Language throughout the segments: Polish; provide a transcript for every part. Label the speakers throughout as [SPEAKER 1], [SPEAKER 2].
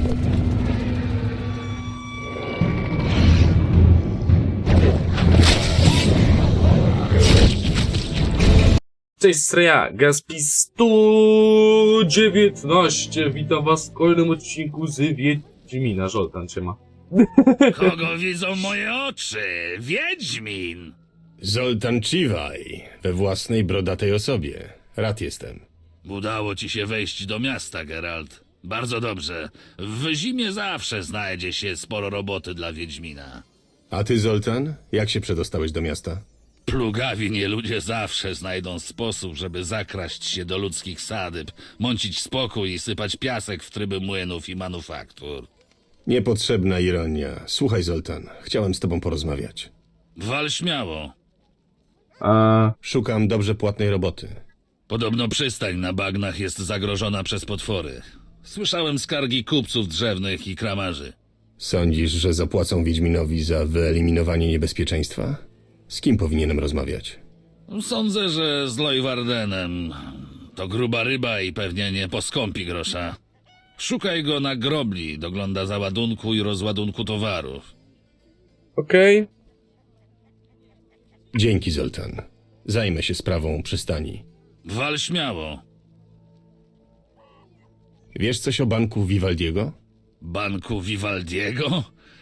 [SPEAKER 1] Cześć, Sreja, Gaspi 119. Witam was w kolejnym odcinku z Wiedźmina. Zoltan cię ma.
[SPEAKER 2] Kogo widzą moje oczy? Wiedźmin!
[SPEAKER 3] Zoltan Chivaj, we własnej brodatej osobie. Rad jestem.
[SPEAKER 2] Udało ci się wejść do miasta, Geralt. Bardzo dobrze. W zimie zawsze znajdzie się sporo roboty dla Wiedźmina.
[SPEAKER 3] A ty, Zoltan, jak się przedostałeś do miasta?
[SPEAKER 2] Plugawi nie ludzie zawsze znajdą sposób, żeby zakraść się do ludzkich sadyb, mącić spokój i sypać piasek w tryby młynów i manufaktur.
[SPEAKER 3] Niepotrzebna ironia. Słuchaj, Zoltan, chciałem z tobą porozmawiać.
[SPEAKER 2] Wal śmiało.
[SPEAKER 3] Szukam dobrze płatnej roboty.
[SPEAKER 2] Podobno przystań na bagnach jest zagrożona przez potwory. Słyszałem skargi kupców drzewnych i kramarzy.
[SPEAKER 3] Sądzisz, że zapłacą Wiedźminowi za wyeliminowanie niebezpieczeństwa? Z kim powinienem rozmawiać?
[SPEAKER 2] Sądzę, że z Lojwardenem. To gruba ryba i pewnie nie poskąpi grosza. Szukaj go na grobli, dogląda załadunku i rozładunku towarów.
[SPEAKER 1] Okej.
[SPEAKER 3] Dzięki, Zoltan. Zajmę się sprawą przystani.
[SPEAKER 2] Wal śmiało.
[SPEAKER 3] Wiesz coś o banku Vivaldiego?
[SPEAKER 2] Banku Vivaldiego?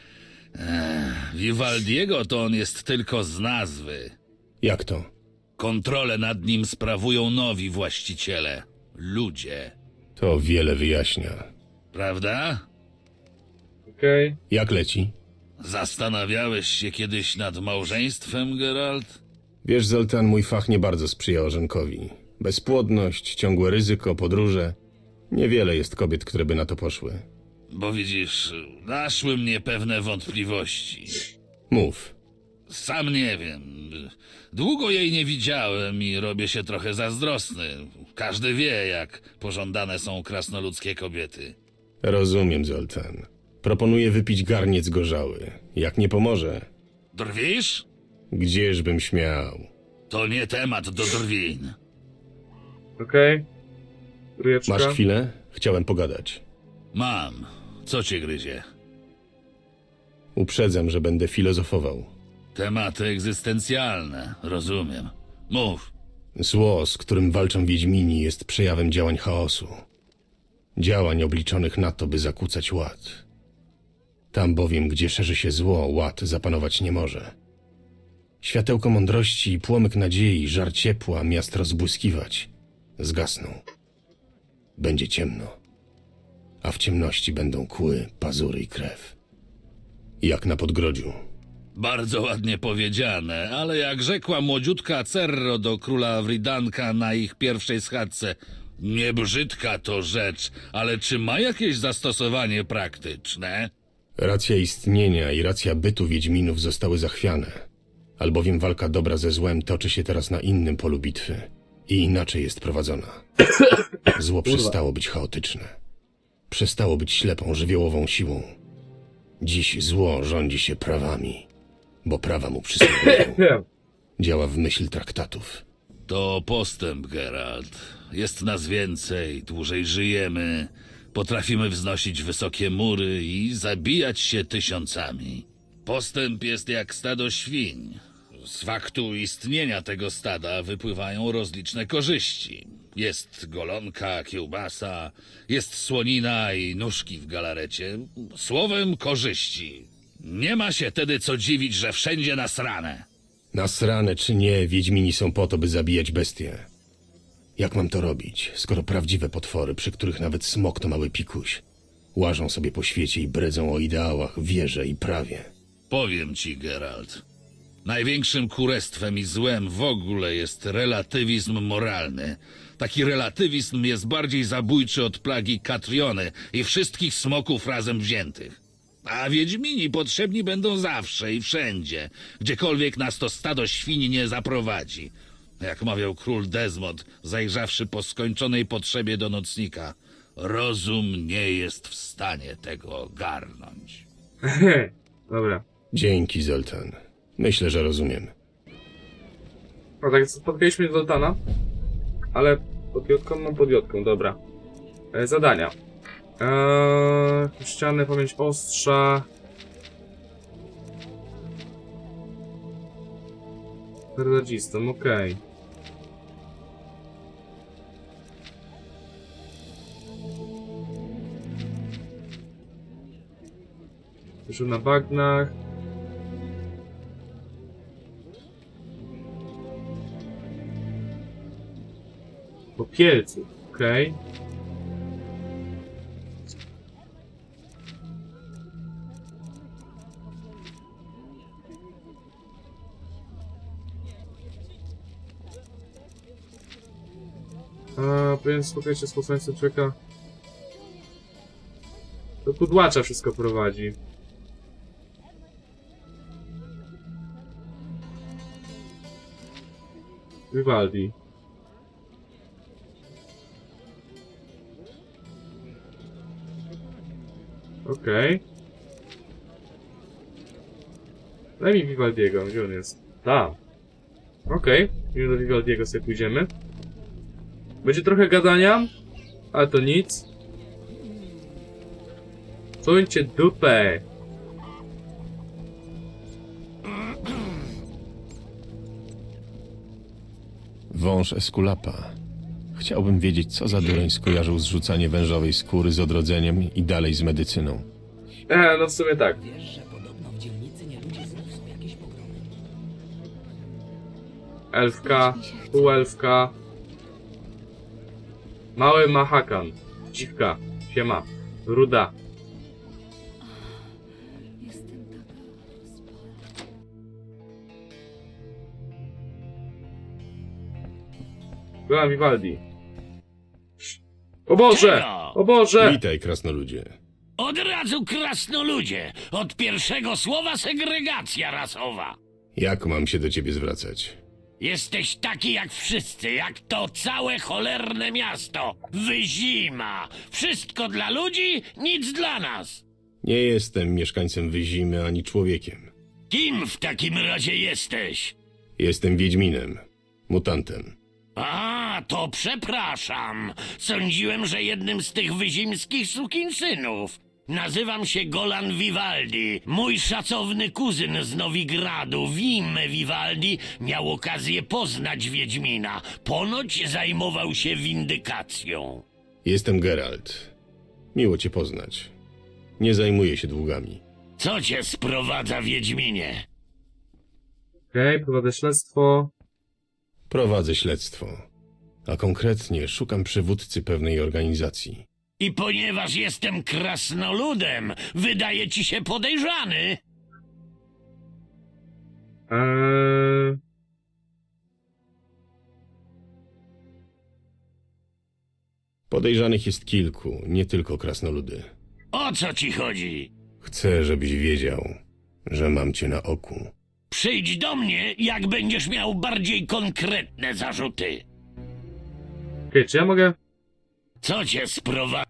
[SPEAKER 2] Vivaldiego to on jest tylko z nazwy.
[SPEAKER 3] Jak to?
[SPEAKER 2] Kontrolę nad nim sprawują nowi właściciele. Ludzie.
[SPEAKER 3] To wiele wyjaśnia.
[SPEAKER 2] Prawda?
[SPEAKER 1] Okej.
[SPEAKER 3] Jak leci?
[SPEAKER 2] Zastanawiałeś się kiedyś nad małżeństwem, Geralt?
[SPEAKER 3] Wiesz, Zoltan, mój fach nie bardzo sprzyja orzenkowi. Bezpłodność, ciągłe ryzyko, podróże. Niewiele jest kobiet, które by na to poszły.
[SPEAKER 2] Bo widzisz, naszły mnie pewne wątpliwości.
[SPEAKER 3] Mów.
[SPEAKER 2] Sam nie wiem. Długo jej nie widziałem i robię się trochę zazdrosny. Każdy wie, jak pożądane są krasnoludzkie kobiety.
[SPEAKER 3] Rozumiem, Zoltan. Proponuję wypić garniec gorzały. Jak nie pomoże,
[SPEAKER 2] Drwisz?
[SPEAKER 3] gdzieżbym śmiał.
[SPEAKER 2] To nie temat do drwin.
[SPEAKER 1] Okej. Rujeczka.
[SPEAKER 3] Masz chwilę? Chciałem pogadać.
[SPEAKER 2] Mam. Co cię gryzie?
[SPEAKER 3] Uprzedzam, że będę filozofował.
[SPEAKER 2] Tematy egzystencjalne, rozumiem. Mów.
[SPEAKER 3] Zło, z którym walczą Wiedźmini, jest przejawem działań chaosu. Działań obliczonych na to, by zakłócać ład. Tam bowiem, gdzie szerzy się zło, ład zapanować nie może. Światełko mądrości i płomyk nadziei, żar ciepła, miast rozbłyskiwać, zgasną. Będzie ciemno, a w ciemności będą kły, pazury i krew. Jak na podgrodziu.
[SPEAKER 2] Bardzo ładnie powiedziane, ale jak rzekła młodziutka Cerro do króla Wridanka na ich pierwszej schadzce, nie brzydka to rzecz, ale czy ma jakieś zastosowanie praktyczne?
[SPEAKER 3] Racja istnienia i racja bytu Wiedźminów zostały zachwiane, albowiem walka dobra ze złem toczy się teraz na innym polu bitwy i inaczej jest prowadzona. Zło przestało być chaotyczne. Przestało być ślepą, żywiołową siłą. Dziś zło rządzi się prawami, bo prawa mu przysługują.
[SPEAKER 1] Wiem.
[SPEAKER 3] Działa w myśl traktatów.
[SPEAKER 2] To postęp, Geralt. Jest nas więcej, dłużej żyjemy, potrafimy wznosić wysokie mury i zabijać się tysiącami. Postęp jest jak stado świń. Z faktu istnienia tego stada wypływają rozliczne korzyści. Jest golonka, kiełbasa, jest słonina i nóżki w galarecie. Słowem korzyści. Nie ma się tedy co dziwić, że wszędzie nasrane.
[SPEAKER 3] Nasrane czy nie, Wiedźmini są po to, by zabijać bestie. Jak mam to robić, skoro prawdziwe potwory, przy których nawet smok to mały pikuś, łażą sobie po świecie i bredzą o ideałach, wierze i prawie?
[SPEAKER 2] Powiem ci, Geralt. Największym kurestwem i złem w ogóle jest relatywizm moralny. Taki relatywizm jest bardziej zabójczy od plagi Katriony i wszystkich smoków razem wziętych. A Wiedźmini potrzebni będą zawsze i wszędzie, gdziekolwiek nas to stado świni nie zaprowadzi. Jak mawiał król Desmond, zajrzawszy po skończonej potrzebie do nocnika, rozum nie jest w stanie tego ogarnąć.
[SPEAKER 1] Dobra.
[SPEAKER 3] Dzięki, Zoltan. Myślę, że rozumiem.
[SPEAKER 1] No tak, spotkaliśmy Zoltana. Ale podjotką, no podjotką, dobra. Zadania. Ściany, pamięć ostrza. Radzistą, okej. Już na bagnach. Popielców, okej. Powinien spotkać się z posłańcem człowieka. Do kudłacza wszystko prowadzi. Vivaldi. Okej. Daj mi Vivaldiego, gdzie on jest? Tam. Okej, już do Vivaldiego sobie pójdziemy. Będzie trochę gadania, ale to nic. Suńcie dupę!
[SPEAKER 3] Wąż Eskulapa. Chciałbym wiedzieć, co za dureń skojarzył zrzucanie wężowej skóry z odrodzeniem i dalej z medycyną.
[SPEAKER 1] No w sumie tak.
[SPEAKER 4] Wiesz, że podobno w dzielnicy nieludzie znów są jakieś pogromy.
[SPEAKER 1] Elfka, półelfka. Mały Mahakan. Dziwka. Siema. Ruda.
[SPEAKER 5] Jestem taka rozpalona.
[SPEAKER 1] Byłam Vivaldi. O Boże!
[SPEAKER 6] Czego?
[SPEAKER 1] O Boże!
[SPEAKER 3] Witaj, krasnoludzie.
[SPEAKER 6] Od razu krasnoludzie. Od pierwszego słowa segregacja rasowa.
[SPEAKER 3] Jak mam się do ciebie zwracać?
[SPEAKER 6] Jesteś taki jak wszyscy, jak to całe cholerne miasto. Wyzima. Wszystko dla ludzi, nic dla nas.
[SPEAKER 3] Nie jestem mieszkańcem Wyzimy ani człowiekiem.
[SPEAKER 6] Kim w takim razie jesteś?
[SPEAKER 3] Jestem Wiedźminem. Mutantem.
[SPEAKER 6] A, to przepraszam. Sądziłem, że jednym z tych wyzimskich sukinsynów. Nazywam się Golan Vivaldi. Mój szacowny kuzyn z Nowigradu, Wim Vivaldi, miał okazję poznać Wiedźmina. Ponoć zajmował się windykacją.
[SPEAKER 3] Jestem Geralt. Miło cię poznać. Nie zajmuję się długami.
[SPEAKER 6] Co cię sprowadza, Wiedźminie?
[SPEAKER 1] Okej, prowadzę śledztwo.
[SPEAKER 3] Prowadzę śledztwo. A konkretnie szukam przywódcy pewnej organizacji.
[SPEAKER 6] I ponieważ jestem krasnoludem, wydaje ci się podejrzany?
[SPEAKER 3] Podejrzanych jest kilku, nie tylko krasnoludy.
[SPEAKER 6] O co ci chodzi?
[SPEAKER 3] Chcę, żebyś wiedział, że mam cię na oku.
[SPEAKER 6] Przyjdź do mnie, jak będziesz miał bardziej konkretne zarzuty.
[SPEAKER 1] Okej, czy ja mogę...
[SPEAKER 6] Co cię sprowadza?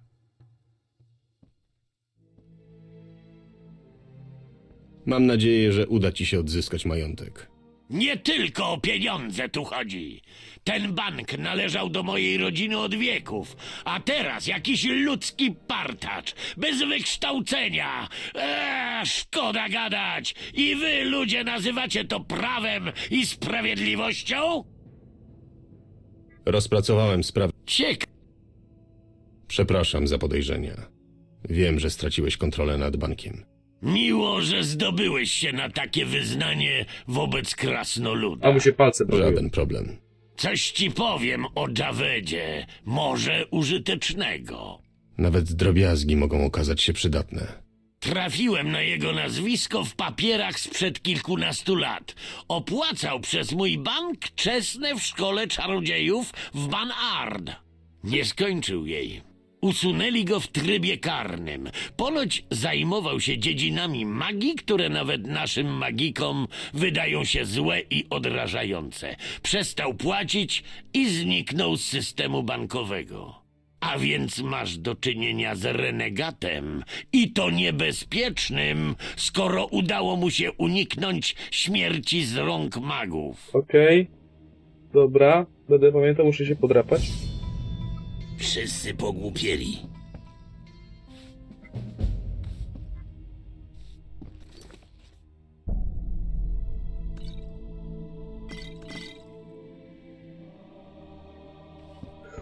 [SPEAKER 3] Mam nadzieję, że uda ci się odzyskać majątek.
[SPEAKER 6] Nie tylko o pieniądze tu chodzi. Ten bank należał do mojej rodziny od wieków, a teraz jakiś ludzki partacz, bez wykształcenia. Szkoda gadać. I wy, ludzie, nazywacie to prawem i sprawiedliwością?
[SPEAKER 3] Rozpracowałem sprawę. Przepraszam za podejrzenia. Wiem, że straciłeś kontrolę nad bankiem.
[SPEAKER 6] Miło, że zdobyłeś się na takie wyznanie wobec krasnoluda.
[SPEAKER 1] A mu się palce bawiły.
[SPEAKER 3] Żaden problem.
[SPEAKER 6] Coś ci powiem o Javedzie, może użytecznego.
[SPEAKER 3] Nawet drobiazgi mogą okazać się przydatne.
[SPEAKER 6] Trafiłem na jego nazwisko w papierach sprzed kilkunastu lat. Opłacał przez mój bank czesne w szkole czarodziejów w Banard. Nie skończył jej. Usunęli go w trybie karnym. Ponoć zajmował się dziedzinami magii, które nawet naszym magikom wydają się złe i odrażające. Przestał płacić i zniknął z systemu bankowego. A więc masz do czynienia z renegatem i to niebezpiecznym, skoro udało mu się uniknąć śmierci z rąk magów.
[SPEAKER 1] Okej. Dobra, będę pamiętał, muszę się podrapać.
[SPEAKER 6] Wszyscy pogłupieli.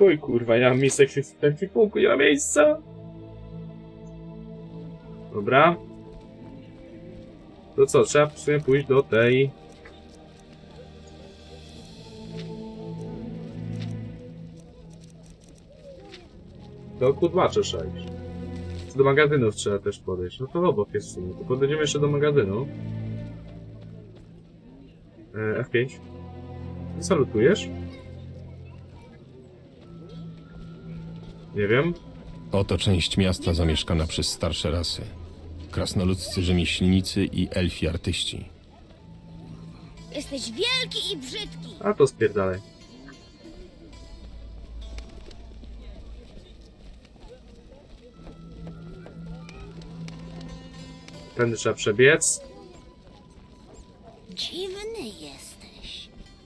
[SPEAKER 1] Chuj, kurwa, ja mam miejsce w ekwipunku, nie ma miejsca. Dobra. To co, trzeba w sumie pójść do tej... Do kudłacza trzeba iść. Do magazynów trzeba też podejść. No to obok jest w sumie. To podejdziemy jeszcze do magazynu. F5. Salutujesz? Nie wiem.
[SPEAKER 3] Oto część miasta zamieszkana przez starsze rasy. Krasnoludzcy rzemieślnicy i elfi artyści.
[SPEAKER 5] Jesteś wielki i brzydki.
[SPEAKER 1] A to spierdalaj. Tędy trzeba przebiec.
[SPEAKER 5] Dziwny jesteś.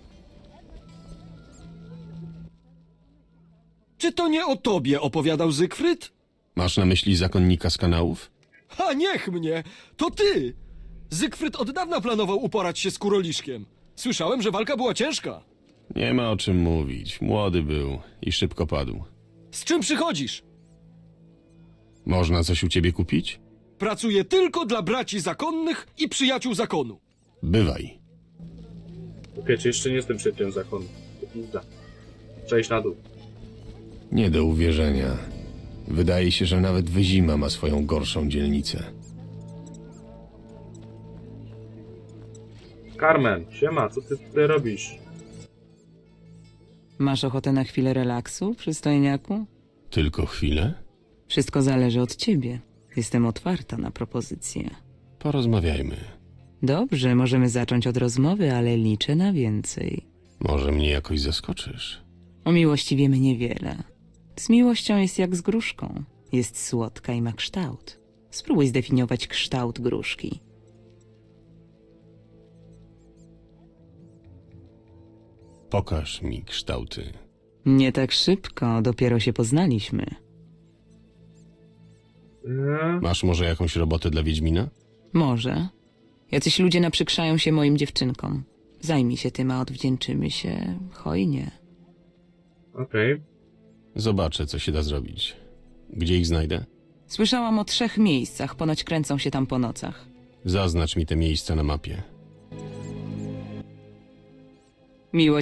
[SPEAKER 7] Czy to nie o tobie opowiadał Zygfryd?
[SPEAKER 3] Masz na myśli zakonnika z kanałów?
[SPEAKER 7] A niech mnie! To ty! Zygfryd od dawna planował uporać się z Kuroliszkiem. Słyszałem, że walka była ciężka.
[SPEAKER 3] Nie ma o czym mówić. Młody był i szybko padł.
[SPEAKER 7] Z czym przychodzisz?
[SPEAKER 3] Można coś u ciebie kupić?
[SPEAKER 7] Pracuję tylko dla braci zakonnych i przyjaciół zakonu.
[SPEAKER 3] Bywaj.
[SPEAKER 1] Okej, czy jeszcze nie jestem przedtem zakonu. To pizda. Przejść na dół.
[SPEAKER 3] Nie do uwierzenia. Wydaje się, że nawet Wyzima ma swoją gorszą dzielnicę.
[SPEAKER 1] Carmen, siema, co ty tutaj robisz?
[SPEAKER 8] Masz ochotę na chwilę relaksu, przystojniaku?
[SPEAKER 3] Tylko chwilę?
[SPEAKER 8] Wszystko zależy od ciebie. Jestem otwarta na propozycje.
[SPEAKER 3] Porozmawiajmy.
[SPEAKER 8] Dobrze, możemy zacząć od rozmowy, ale liczę na więcej.
[SPEAKER 3] Może mnie jakoś zaskoczysz?
[SPEAKER 8] O miłości wiemy niewiele. Z miłością jest jak z gruszką. Jest słodka i ma kształt. Spróbuj zdefiniować kształt gruszki.
[SPEAKER 3] Pokaż mi kształty.
[SPEAKER 8] Nie tak szybko, dopiero się poznaliśmy.
[SPEAKER 3] Masz może jakąś robotę dla Wiedźmina?
[SPEAKER 8] Może. Jacyś ludzie naprzykrzają się moim dziewczynkom. Zajmij się tym, a odwdzięczymy się hojnie.
[SPEAKER 1] Okej.
[SPEAKER 3] Zobaczę, co się da zrobić. Gdzie ich znajdę?
[SPEAKER 8] Słyszałam o 3 miejscach, ponoć kręcą się tam po nocach.
[SPEAKER 3] Zaznacz mi te miejsca na mapie.
[SPEAKER 8] Miło.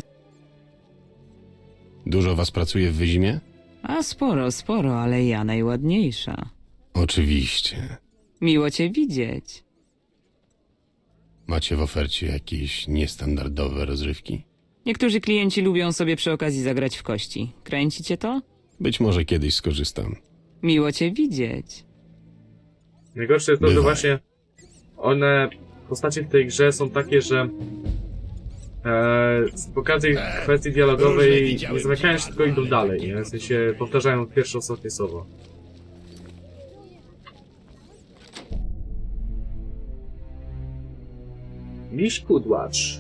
[SPEAKER 3] Dużo was pracuje w Wyzimie?
[SPEAKER 8] A sporo, ale ja najładniejsza.
[SPEAKER 3] Oczywiście.
[SPEAKER 8] Miło cię widzieć.
[SPEAKER 3] Macie w ofercie jakieś niestandardowe rozrywki?
[SPEAKER 8] Niektórzy klienci lubią sobie przy okazji zagrać w kości. Kręci cię to?
[SPEAKER 3] Być może kiedyś skorzystam.
[SPEAKER 8] Miło cię widzieć.
[SPEAKER 1] Najgorsze jest to, że
[SPEAKER 3] Bywaj.
[SPEAKER 1] właśnie postacie w tej grze są takie, że z okazji kwestii
[SPEAKER 2] różne
[SPEAKER 1] dialogowej
[SPEAKER 2] widziałem
[SPEAKER 1] nie zamykają się, tylko idą
[SPEAKER 2] ale
[SPEAKER 1] dalej,
[SPEAKER 2] nie
[SPEAKER 1] nie? W sensie powtarzają pierwsze, ostatnie słowo. Miś Kudłacz.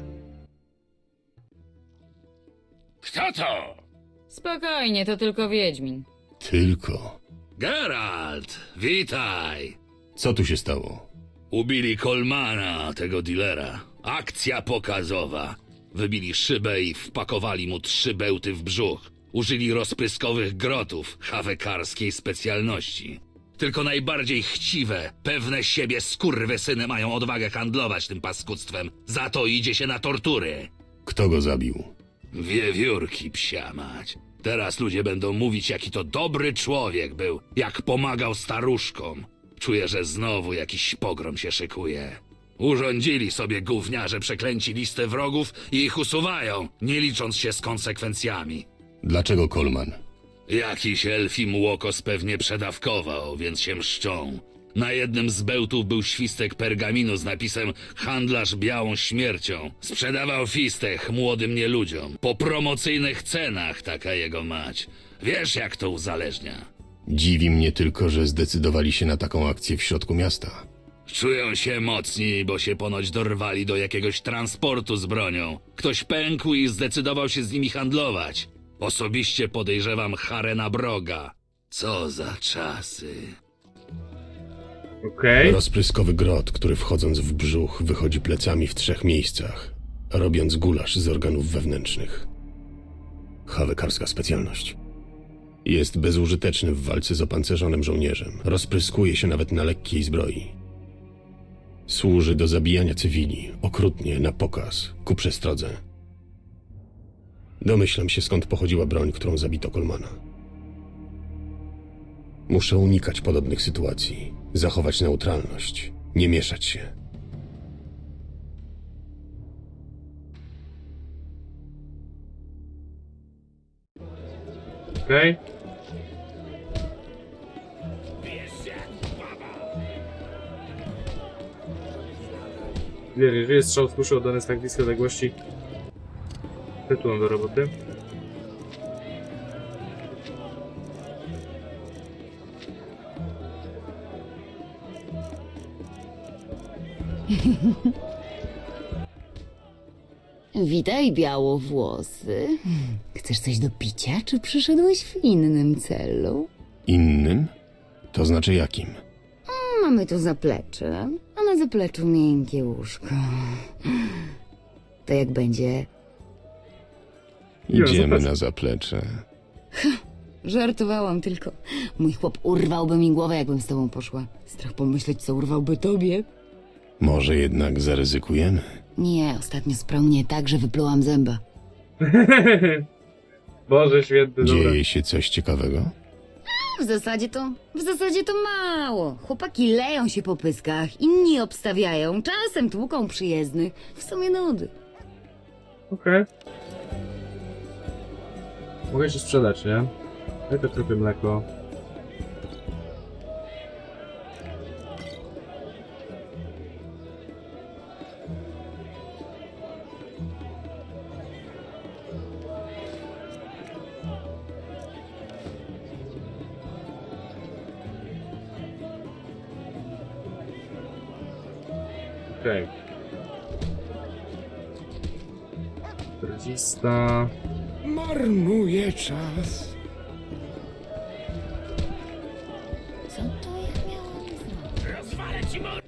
[SPEAKER 2] Kto to?
[SPEAKER 9] Spokojnie, to tylko Wiedźmin.
[SPEAKER 3] Tylko.
[SPEAKER 2] Geralt, witaj.
[SPEAKER 3] Co tu się stało?
[SPEAKER 2] Ubili Kolmana, tego dealera. Akcja pokazowa. Wybili szybę i wpakowali mu 3 bełty w brzuch. Użyli rozpryskowych grotów, hawekarskiej specjalności. Tylko najbardziej chciwe, pewne siebie skurwysyny mają odwagę handlować tym paskudztwem. Za to idzie się na tortury.
[SPEAKER 3] Kto go zabił?
[SPEAKER 2] Wiewiórki, psia mać. Teraz ludzie będą mówić, jaki to dobry człowiek był, jak pomagał staruszkom. Czuję, że znowu jakiś pogrom się szykuje. Urządzili sobie gówniarze przeklęci listę wrogów i ich usuwają, nie licząc się z konsekwencjami.
[SPEAKER 3] Dlaczego Kolman?
[SPEAKER 2] Jakiś elfim łokos pewnie przedawkował, więc się mszczą. Na jednym z bełtów był świstek pergaminu z napisem „Handlarz białą śmiercią”. Sprzedawał fistech młodym nieludziom. Po promocyjnych cenach, taka jego mać. Wiesz, jak to uzależnia.
[SPEAKER 3] Dziwi mnie tylko, że zdecydowali się na taką akcję w środku miasta.
[SPEAKER 2] Czują się mocni, bo się ponoć dorwali do jakiegoś transportu z bronią. Ktoś pękł i zdecydował się z nimi handlować. Osobiście podejrzewam Harena Broga. Co za czasy.
[SPEAKER 1] Okej.
[SPEAKER 3] Rozpryskowy grot, który wchodząc w brzuch wychodzi plecami w 3 miejscach, robiąc gulasz z organów wewnętrznych. Hawekarska specjalność. Jest bezużyteczny w walce z opancerzonym żołnierzem. Rozpryskuje się nawet na lekkiej zbroi. Służy do zabijania cywili, okrutnie, na pokaz, ku przestrodze. Domyślam się, skąd pochodziła broń, którą zabito Colemana. Muszę unikać podobnych sytuacji, zachować neutralność, nie mieszać się.
[SPEAKER 1] Okej. Jeżeli strzał z kuszy oddany z tak bliskiej odległości, tytułem do roboty.
[SPEAKER 10] Witaj, białowłosy. Chcesz coś do picia, czy przyszedłeś w innym celu?
[SPEAKER 3] Innym? To znaczy jakim?
[SPEAKER 10] Mamy tu zaplecze, a na zapleczu miękkie łóżko. To jak będzie?
[SPEAKER 3] Idziemy na zaplecze.
[SPEAKER 10] Żartowałam tylko. Mój chłop urwałby mi głowę, jakbym z tobą poszła. Strach pomyśleć, co urwałby tobie.
[SPEAKER 3] Może jednak zaryzykujemy?
[SPEAKER 10] Nie, ostatnio sprał mnie tak, że wyplułam zęba.
[SPEAKER 1] Boże święty, dobra.
[SPEAKER 3] Dzieje się coś ciekawego?
[SPEAKER 10] W zasadzie to mało. Chłopaki leją się po pyskach, inni obstawiają, czasem tłuką przyjezdnych. W sumie nudy.
[SPEAKER 1] Okej. Mogę się sprzedać, nie? Ja też trochę mleko. Okej. 40.
[SPEAKER 3] Marnuje czas.
[SPEAKER 5] Co to ja miałam zrobić?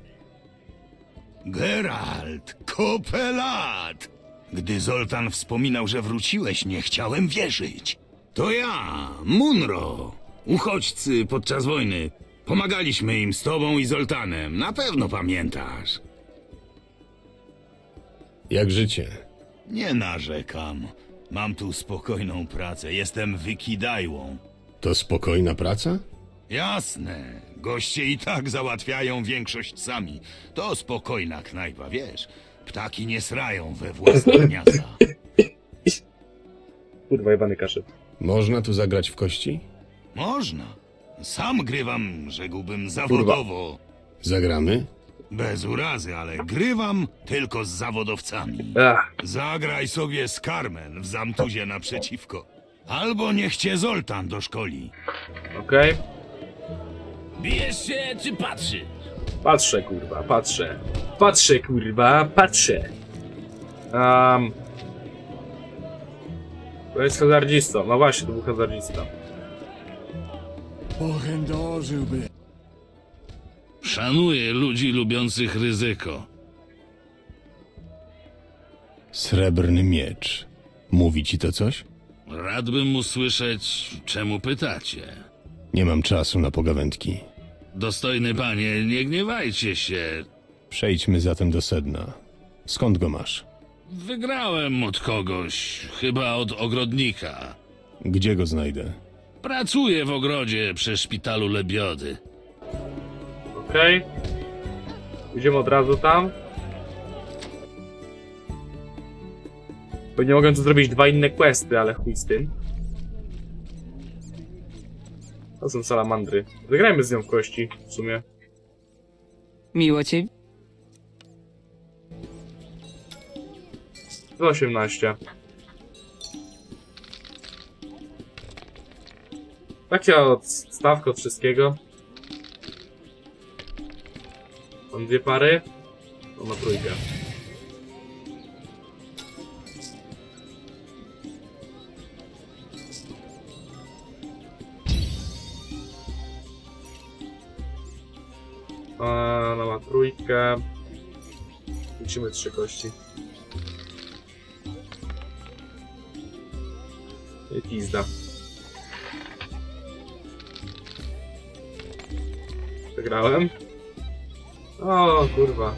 [SPEAKER 11] Geralt, kopę lat! Gdy Zoltan wspominał, że wróciłeś, nie chciałem wierzyć. To ja, Munro. Uchodźcy podczas wojny. Pomagaliśmy im z tobą i Zoltanem. Na pewno pamiętasz.
[SPEAKER 3] Jak życie?
[SPEAKER 11] Nie narzekam. Mam tu spokojną pracę. Jestem wykidajłą.
[SPEAKER 3] To spokojna praca?
[SPEAKER 11] Jasne. Goście i tak załatwiają większość sami. To spokojna knajpa, wiesz. Ptaki nie srają we własne gniazda.
[SPEAKER 1] Kurwa, jebany kaszyk.
[SPEAKER 3] Można tu zagrać w kości?
[SPEAKER 11] Można. Sam grywam, rzekłbym, zawodowo.
[SPEAKER 3] Zagramy?
[SPEAKER 11] Bez urazy, ale grywam tylko z zawodowcami.
[SPEAKER 1] Ach,
[SPEAKER 11] Zagraj sobie z Carmen w Zamtuzie naprzeciwko. Albo niech cię Zoltan doszkoli.
[SPEAKER 1] okej.
[SPEAKER 6] Bijesz się czy patrzysz?
[SPEAKER 1] Patrzę, kurwa, patrzę. Patrzę, kurwa, patrzę. To jest hazardzistą. No właśnie, to był hazardzista.
[SPEAKER 7] Pochędożyłby.
[SPEAKER 2] Szanuję ludzi lubiących ryzyko.
[SPEAKER 3] Srebrny miecz. Mówi ci to coś?
[SPEAKER 2] Radbym usłyszeć, czemu pytacie.
[SPEAKER 3] Nie mam czasu na pogawędki.
[SPEAKER 2] Dostojny panie, nie gniewajcie się.
[SPEAKER 3] Przejdźmy zatem do sedna. Skąd go masz?
[SPEAKER 2] Wygrałem od kogoś, chyba od ogrodnika.
[SPEAKER 3] Gdzie go znajdę?
[SPEAKER 2] Pracuję w ogrodzie przy szpitalu Lebiody.
[SPEAKER 1] Okej. Idziemy od razu tam. Bo nie mogę tu zrobić dwa inne questy, ale chuj z tym. To są salamandry. Zagrajmy z nią w kości, w sumie.
[SPEAKER 8] Miło cię.
[SPEAKER 1] 18. Taka odstawka od wszystkiego. Mam dwie pary. To ma trójkę. No ma trójkę. Liczymy 3 kości. I pizda. Przegrałem. O, kurwa.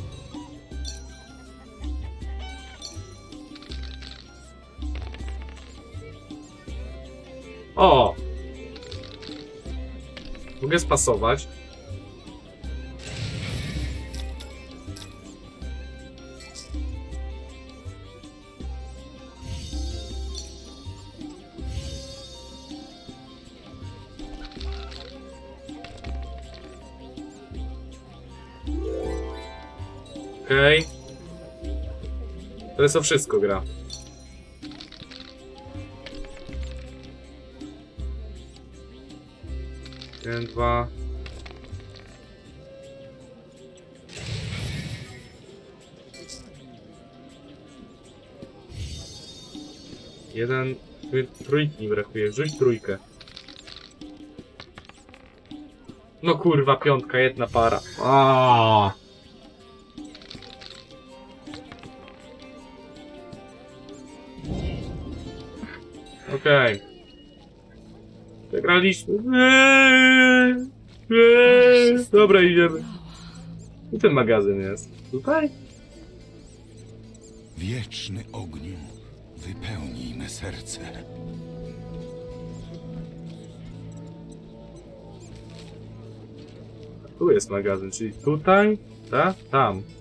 [SPEAKER 1] O! Mogę spasować. Okej. To jest to wszystko gra. Jeden, dwa. Jeden. Trójki mi brakuje. Rzuć trójkę. No kurwa, piątka, jedna para. Aaaa. Okej. Przegraliśmy. Dobra, idziemy. I ten magazyn jest. Tutaj?
[SPEAKER 11] Wieczny ogniu, wypełnij me serce.
[SPEAKER 1] Tu jest magazyn, czyli tutaj, tak? Tam.